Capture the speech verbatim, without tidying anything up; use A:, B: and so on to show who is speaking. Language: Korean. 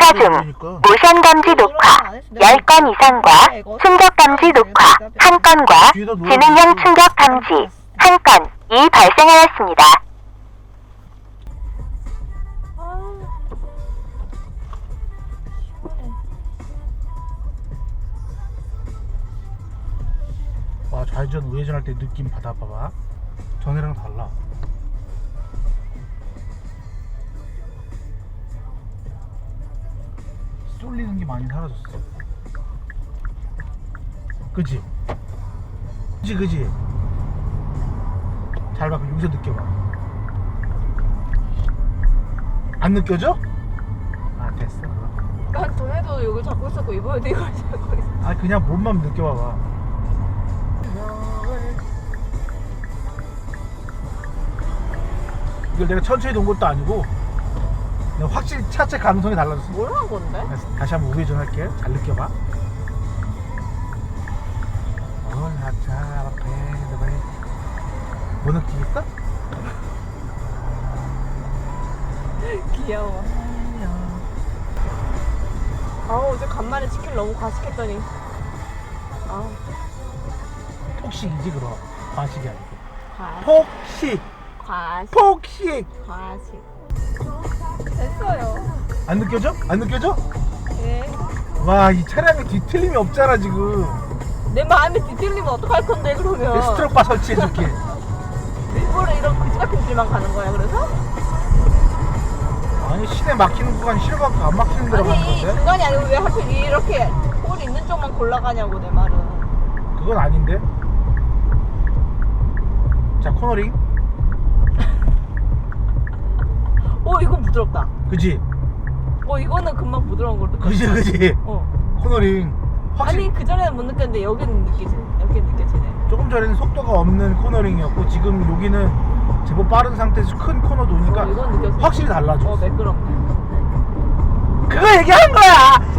A: 녹화 중. 모션 감지 녹화 열 건 이상과 충격 감지 녹화 한 건과 지능형 충격 감지 한 건이 발생하였습니다.
B: 와, 좌회전 우회전 할 때 느낌 받아봐봐. 전에랑 달라. 쏠리는 게 많이 사라졌어. 그치? 그치 그치? 잘 봐. 그럼 여기서 느껴봐. 안 느껴져? 아, 됐어.
C: 난 전에도 여기 잡고 있었고 이번에도 이걸 잡고 있어.
B: 아, 그냥 몸만 느껴봐봐. 이걸 내가 천천히 놓은 것도 아니고 내가 확실히 차체 가능성이 달라졌어.
C: 뭘 한 건데?
B: 다시 한번 우회전 할게. 잘 느껴봐. 올라차 배드베 뭐 느끼겠어?
C: 귀여워. 아 어제 간만에 치킨 너무 과식했더니 아
B: 폭식이지 그럼. 과식이 아니고
C: 과
B: 폭식.
C: 과식
B: 폭식.
C: 과식 됐어요.
B: 안 느껴져? 안 느껴져?
C: 예.
B: 와, 이 차량에 뒤틀림이 없잖아 지금.
C: 내 마음에 뒤틀리면 어떡할 건데 그러면?
B: 스트로바 설치해줄게.
C: 일부러 이런 그지 같은 길만 가는 거야 그래서?
B: 아니, 시내 막히는 구간 싫어갖고 안 막히는 데로 가는
C: 아니
B: 건데?
C: 중간이 아니고 왜 하필 이렇게 홀 있는 쪽만 골라가냐고 내 말은.
B: 그건 아닌데. 자, 코너링.
C: 어 이건 부드럽다.
B: 그지?
C: 어 이거는 금방 부드러운 걸로.
B: 그지 그지?
C: 어.
B: 코너링 확실히.
C: 아니 그 전에는 못 느꼈는데 여기는 느끼지네. 여기는 느껴지네.
B: 조금 전에는 속도가 없는 코너링이었고 지금 여기는 제법 빠른 상태에서 큰 코너 도니까
C: 어, 이건 느껴져.
B: 확실히 달라져.
C: 어 매끄럽네.
B: 그거 얘기한 거야.